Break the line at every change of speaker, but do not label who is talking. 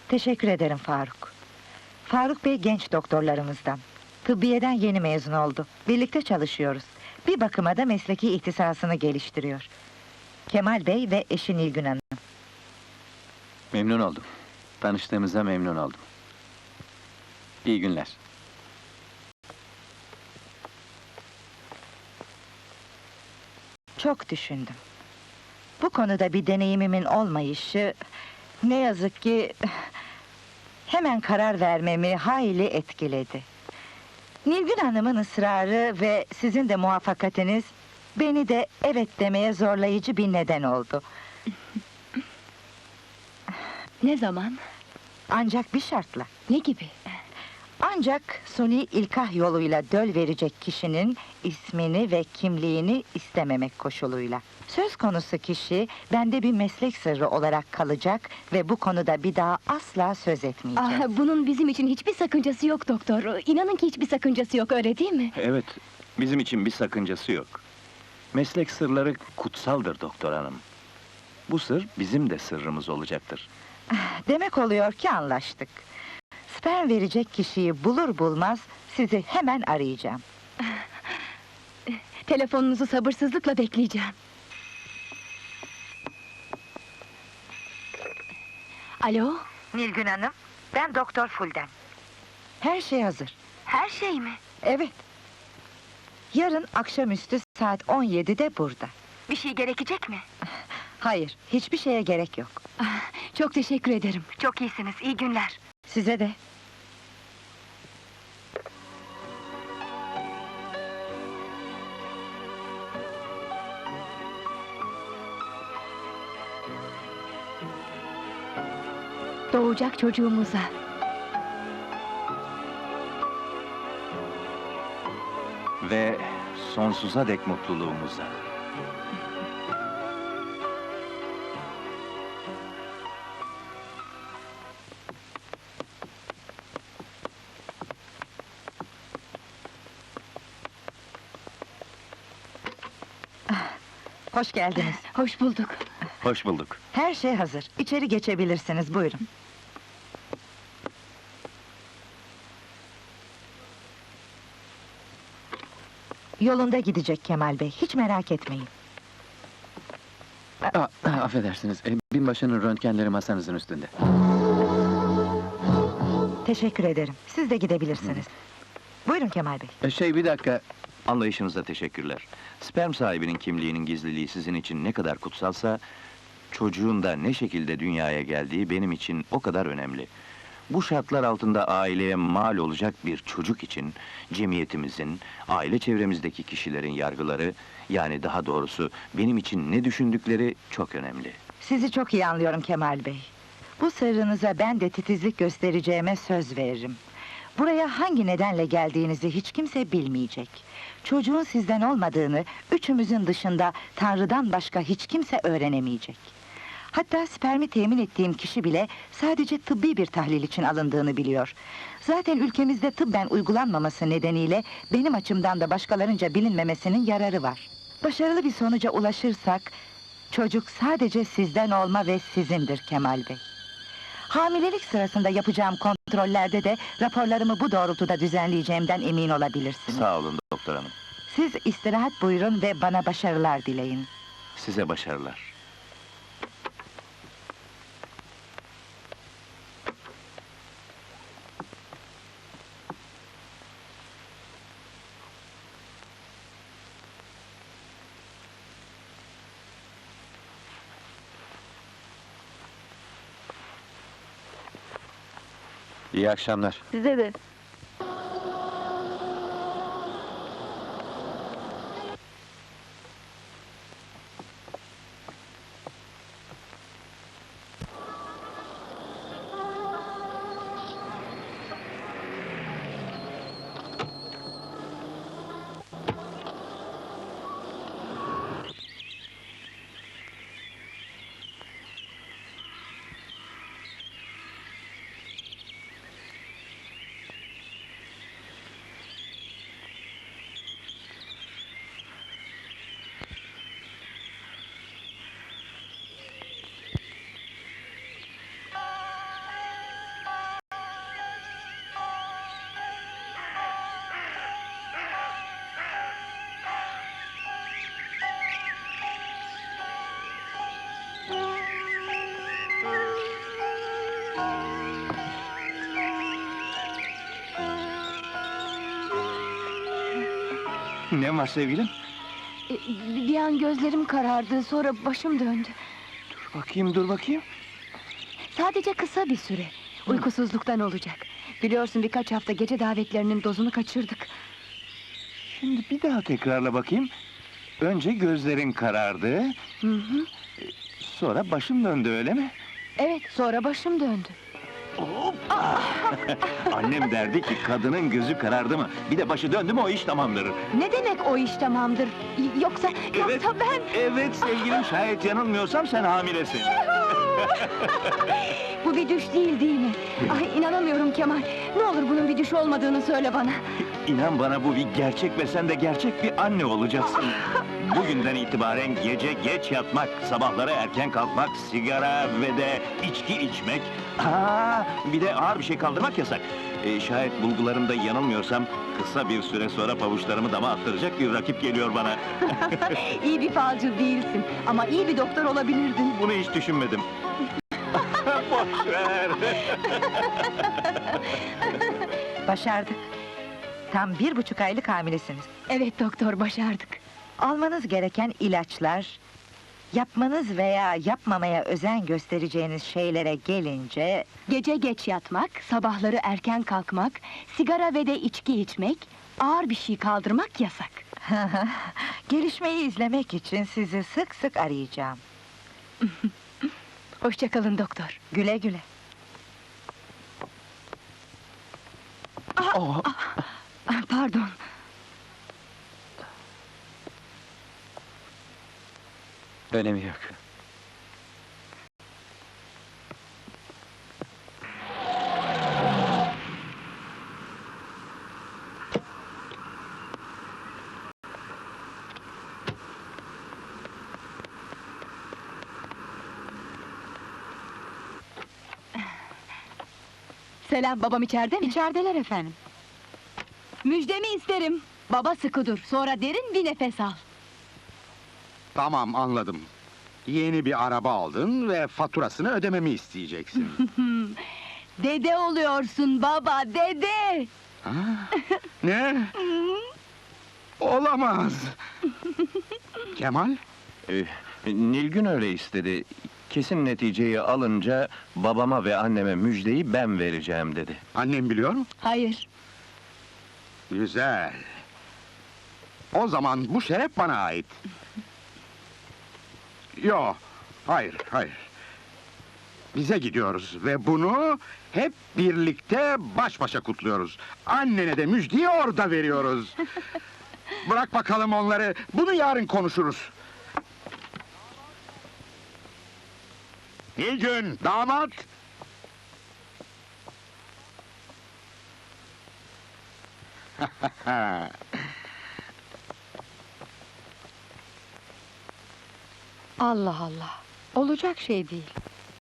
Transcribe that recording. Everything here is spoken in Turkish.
Teşekkür ederim Faruk. Faruk Bey genç doktorlarımızdan. Tıbbiyeden yeni mezun oldu. Birlikte çalışıyoruz. Bir bakıma da mesleki ihtisasını geliştiriyor. Kemal Bey ve eşi Nilgün Hanım.
Memnun oldum. Tanıştığımıza memnun oldum. İyi günler.
Çok düşündüm. Bu konuda bir deneyimimin olmayışı... ne yazık ki... hemen karar vermemi hayli etkiledi. Nilgün Hanım'ın ısrarı ve sizin de muvaffakatiniz... beni de evet demeye zorlayıcı bir neden oldu.
Ne zaman?
Ancak bir şartla.
Ne gibi?
Ancak suni ilkah yoluyla döl verecek kişinin ismini ve kimliğini istememek koşuluyla. Söz konusu kişi bende bir meslek sırrı olarak kalacak ve bu konuda bir daha asla söz etmeyeceğim.
Bunun bizim için hiçbir sakıncası yok doktor. İnanın ki hiçbir sakıncası yok, öyle değil mi?
Evet, bizim için bir sakıncası yok. Meslek sırları kutsaldır doktor hanım. Bu sır bizim de sırrımız olacaktır.
Demek oluyor ki anlaştık. Sperm verecek kişiyi bulur bulmaz sizi hemen arayacağım.
Telefonunuzu sabırsızlıkla bekleyeceğim. Alo?
Nilgün Hanım, ben Doktor Fulden. Her şey hazır.
Her şey mi?
Evet. Yarın akşamüstü saat 17'de burada.
Bir şey gerekecek mi?
Hayır, hiçbir şeye gerek yok.
Çok teşekkür ederim.
Çok iyisiniz, iyi günler.
Size de.
Doğacak çocuğumuza.
Ve sonsuza dek mutluluğumuza.
Hoş geldiniz.
Hoş bulduk.
Hoş bulduk.
Her şey hazır. İçeri geçebilirsiniz, buyurun. Yolunda gidecek Kemal Bey, hiç merak etmeyin.
Affedersiniz, binbaşının röntgenleri masanızın üstünde.
Teşekkür ederim, siz de gidebilirsiniz. Buyurun Kemal Bey.
Bir dakika. Anlayışınıza teşekkürler. Sperm sahibinin kimliğinin gizliliği sizin için ne kadar kutsalsa... ...çocuğun da ne şekilde dünyaya geldiği benim için o kadar önemli. Bu şartlar altında aileye mal olacak bir çocuk için... ...cemiyetimizin, aile çevremizdeki kişilerin yargıları... ...yani daha doğrusu benim için ne düşündükleri çok önemli.
Sizi çok iyi anlıyorum Kemal Bey. Bu sırrınıza ben de titizlik göstereceğime söz veririm. Buraya hangi nedenle geldiğinizi hiç kimse bilmeyecek. Çocuğun sizden olmadığını, üçümüzün dışında Tanrı'dan başka hiç kimse öğrenemeyecek. Hatta spermi temin ettiğim kişi bile sadece tıbbi bir tahlil için alındığını biliyor. Zaten ülkemizde tıbben uygulanmaması nedeniyle benim açımdan da başkalarınca bilinmemesinin yararı var. Başarılı bir sonuca ulaşırsak, çocuk sadece sizden olma ve sizindir Kemal Bey. Hamilelik sırasında yapacağım kontrollerde de raporlarımı bu doğrultuda düzenleyeceğimden emin olabilirsiniz.
Sağ olun doktor hanım.
Siz istirahat buyurun ve bana başarılar dileyin.
Size başarılar. İyi akşamlar.
Size de.
Ne var sevgilim?
Bir an gözlerim karardı, sonra başım döndü.
Dur bakayım.
Sadece kısa bir süre. Uykusuzluktan olacak. Biliyorsun birkaç hafta gece davetlerinin dozunu kaçırdık.
Şimdi bir daha tekrarla bakayım. Önce gözlerin karardı,
Hı hı.
sonra başım döndü, öyle mi?
Evet, sonra başım döndü.
Hoppa! Annem derdi ki kadının gözü karardı mı, bir de başı döndü mü o iş tamamdır.
Ne demek o iş tamamdır? Yoksa ben...
Evet sevgilim, şayet yanılmıyorsam sen hamilesin.
Bu bir düş değil mi? Ay inanamıyorum Kemal. Ne olur bunun bir düş olmadığını söyle bana.
İnan bana, bu bir gerçek ve sen de gerçek bir anne olacaksın. Bugünden itibaren gece geç yatmak, sabahları erken kalkmak, sigara ve de içki içmek... bir de ağır bir şey kaldırmak yasak. Şayet bulgularımda yanılmıyorsam, kısa bir süre sonra pabuçlarımı dama attıracak bir rakip geliyor bana.
İyi bir falcı değilsin ama iyi bir doktor olabilirdin.
Bunu hiç düşünmedim. Boş ver!
Başardık. Tam 1,5 aylık hamilesiniz.
Evet doktor, başardık.
Almanız gereken ilaçlar, yapmanız veya yapmamaya özen göstereceğiniz şeylere gelince...
Gece geç yatmak, sabahları erken kalkmak, sigara ve de içki içmek, ağır bir şey kaldırmak yasak.
Gelişmeyi izlemek için sizi sık sık arayacağım.
Hoşça kalın doktor.
Güle güle.
Pardon.
Önemi yok.
Selam, babam içeride mi? İçerideler efendim. Müjdemi isterim. Baba sıkı dur, sonra derin bir nefes al.
Tamam, anladım. Yeni bir araba aldın ve faturasını ödememi isteyeceksin.
Dede oluyorsun baba, dede!
Ha? Ne? Olamaz! Kemal,
Nilgün öyle istedi. Kesin neticeyi alınca babama ve anneme müjdeyi ben vereceğim dedi.
annem biliyor mu?
Hayır.
Güzel. O zaman bu şeref bana ait. Yo, hayır. Bize gidiyoruz ve bunu hep birlikte baş başa kutluyoruz. Annene de müjdeyi orada veriyoruz. Bırak bakalım onları, bunu yarın konuşuruz. Nilgün, damat!
Allah Allah, olacak şey değil.